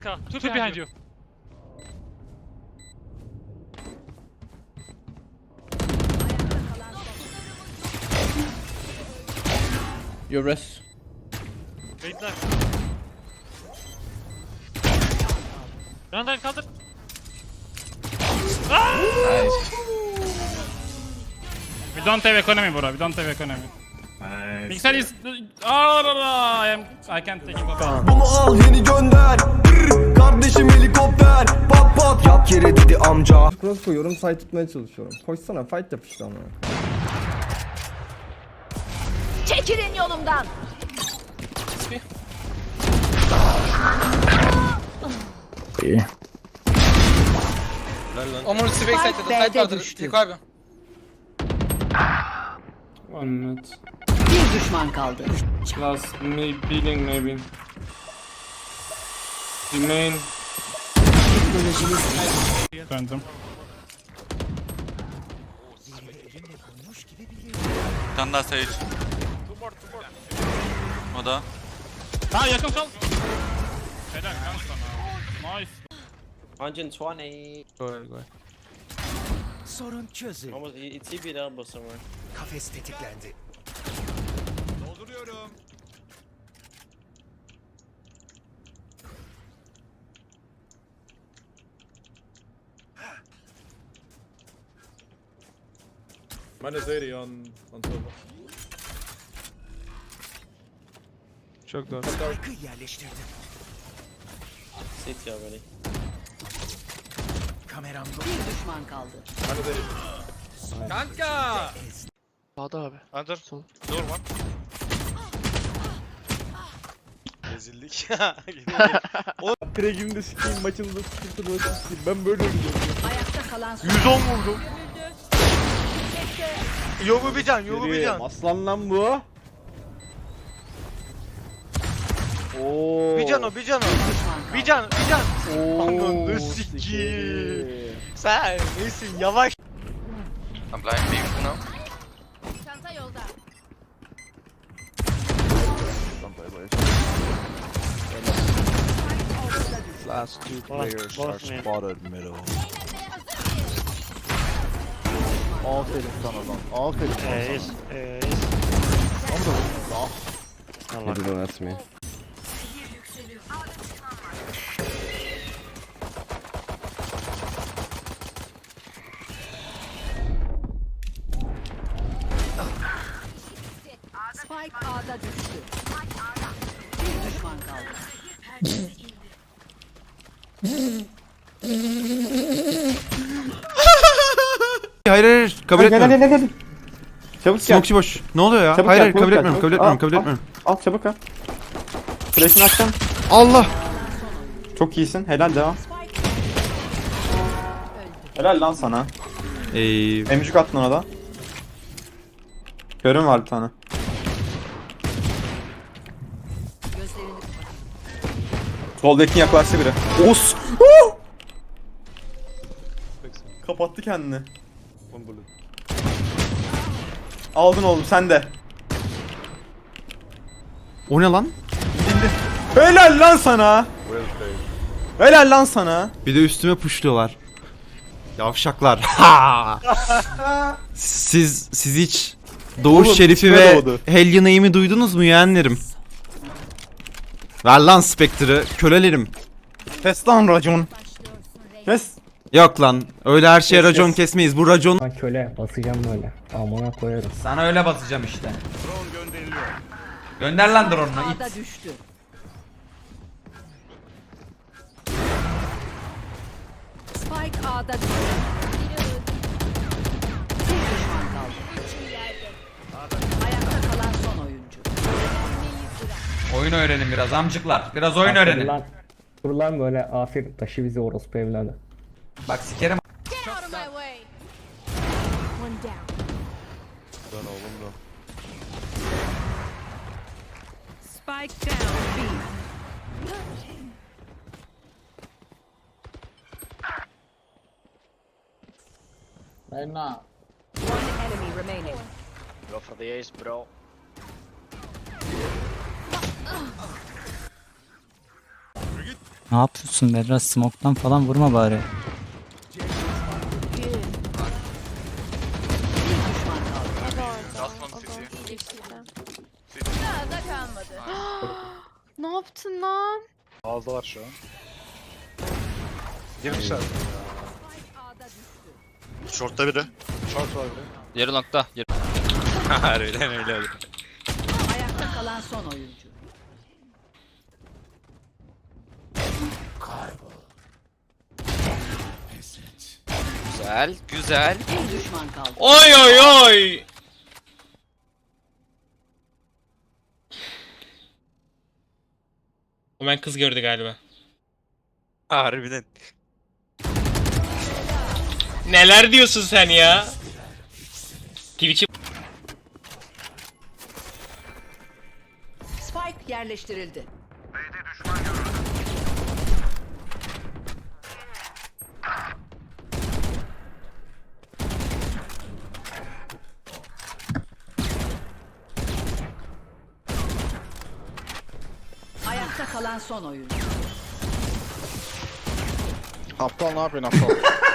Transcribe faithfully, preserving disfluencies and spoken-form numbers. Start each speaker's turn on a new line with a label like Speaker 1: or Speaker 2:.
Speaker 1: Two behind you.
Speaker 2: Your rest.
Speaker 1: Wait lan. Yandan kaldır.
Speaker 2: Nice.
Speaker 3: We don't have economy bro, we don't have economy.
Speaker 2: Nice.
Speaker 3: Pixel is... Oh, no, no, I am... I can't take it.
Speaker 4: Bunu al yeni gönder. Brr, kardeşim helikopter. Pat pat yat yere dedi amca.
Speaker 5: Cross koyuyorum, site tutmaya çalışıyorum. Koşsana, fight yap işte ama.
Speaker 6: Çekilin yolumdan.
Speaker 2: İyi.
Speaker 7: Omur Sivek site'de
Speaker 6: B'de
Speaker 7: site vardır.
Speaker 6: düştü.
Speaker 7: Yık abi.
Speaker 8: One minute.
Speaker 6: Bir düşman kaldı.
Speaker 8: Last me peeling maybe. Remain.
Speaker 3: Döndüm.
Speaker 9: Bir tane daha Sage. O da.
Speaker 3: Ha yakın kal. Helal kan sana. Nice.
Speaker 10: one twenty.
Speaker 7: Go ahead, go ahead.
Speaker 4: Sorun çözün.
Speaker 10: Almost, it's E B elbow somewhere.
Speaker 4: Kafes tetiklendi.
Speaker 9: Dolduruyorum.
Speaker 8: Minus eighty on on silver.
Speaker 7: Çok doğru.
Speaker 4: Spike'ı yerleştirdim.
Speaker 10: City already.
Speaker 4: Kameram
Speaker 6: Bir düşman kaldı.
Speaker 8: Minus eighty.
Speaker 7: Kanka!
Speaker 1: Sağda abi.
Speaker 9: Under.
Speaker 1: Sol.
Speaker 9: Door one. Rezillik.
Speaker 5: Craig'ini de sikeyim, maçını da sıkıntılı da sikeyim. Ben böyle oynuyorum.
Speaker 6: Ayakta kalan son.
Speaker 9: yüz on vurdum. Yomu bir can, yomu bir
Speaker 5: Geri,
Speaker 9: can.
Speaker 5: aslan lan bu. Oo.
Speaker 9: Bir can o, bir can o.
Speaker 6: Düşman kaldı.
Speaker 9: Bir can, bir can.
Speaker 5: Oo,
Speaker 9: Ananı
Speaker 5: sikeyim.
Speaker 9: sikeyim. Sen nesin yavaş.
Speaker 7: I'm blind being now.
Speaker 6: Çanta yolda.
Speaker 7: Last two players are spotted middle.
Speaker 5: Aferin sana lan. Aferin sana. Maybe don't ask me.
Speaker 6: Spike A'da düştü. Bir düşman kaldı.
Speaker 2: Hayır hayır kabul
Speaker 5: Gel gel
Speaker 2: etmiyorum.
Speaker 5: gel gel. Çabuk gel.
Speaker 2: Smokeçi boş. Ne oluyor ya?
Speaker 5: Çabuk
Speaker 2: hayır
Speaker 5: gel,
Speaker 2: hayır
Speaker 5: çabuk
Speaker 2: kabul
Speaker 5: gel,
Speaker 2: etmiyorum, kabul
Speaker 5: çabuk.
Speaker 2: etmiyorum,
Speaker 5: Al,
Speaker 2: kabul
Speaker 5: al.
Speaker 2: etmiyorum.
Speaker 5: Al çabuk al. Flash'ını açtım.
Speaker 2: Allah!
Speaker 5: Çok iyisin. Helal devam. Helal lan sana.
Speaker 2: Eee...
Speaker 5: Emcik attın ona da. Görün var bir tane.
Speaker 6: Gözlerini kapat.
Speaker 5: Soldaki yaklaştı biri. Os! Kapattı kendini. Aldın oğlum sen de.
Speaker 2: O ne lan?
Speaker 5: Helal lan sana. Helal lan sana.
Speaker 2: Bir de üstüme pushluyorlar. Yavşaklar. Ha! siz siz hiç Doğuş
Speaker 5: Oğlum,
Speaker 2: Şerif'i
Speaker 5: içime
Speaker 2: ve
Speaker 5: doğdu.
Speaker 2: Helya Naim'i duydunuz mu yeğenlerim? Ver lan Spectre'ı, kölelerim.
Speaker 5: Kes lan racon. Kes.
Speaker 2: Yok lan, öyle her şeye
Speaker 5: Kes,
Speaker 2: racon
Speaker 5: kes.
Speaker 2: kesmeyiz. Bu racon...
Speaker 11: Ben köle basacağım böyle. Amına koyarım.
Speaker 7: Sana öyle basacağım işte. Gönder lan drone'unu
Speaker 6: A'da
Speaker 7: it.
Speaker 6: düştü. Spike A'da düştü. Bir düşman kaldı. Ayakta kalan son oyuncu.
Speaker 7: Oyun öğrenin biraz amcıklar. Biraz oyun
Speaker 11: Dur
Speaker 7: öğrenin.
Speaker 11: lan. Dur lan böyle aferin taşı bizi orospu evladı.
Speaker 7: Bak sikerim.
Speaker 6: Spike down B.
Speaker 11: Ben na.
Speaker 6: One enemy remaining.
Speaker 10: Go for the ace, bro.
Speaker 11: Ne yapıyorsun Berra? Smoke'tan falan vurma bari.
Speaker 6: Bir düşman kaldı.
Speaker 3: Daha da kalmadı. Ne yaptın lan?
Speaker 1: Aldılar şu an. Girmişler.
Speaker 9: Short'ta biri.
Speaker 1: Short var biri.
Speaker 10: Yarı nokta.
Speaker 9: Harbiden öyle öyle.
Speaker 6: Ayakta kalan son oyuncu.
Speaker 10: Güzel, güzel.
Speaker 6: Bir düşman kaldı.
Speaker 7: Oy oy oy.
Speaker 3: O ben kız gördü galiba.
Speaker 9: Harbiden.
Speaker 3: Neler diyorsun sen ya? Twitch'i
Speaker 6: Spike yerleştirildi. Ayakta kalan son oyuncu.
Speaker 1: Aptal ne yapıyorsun aptal?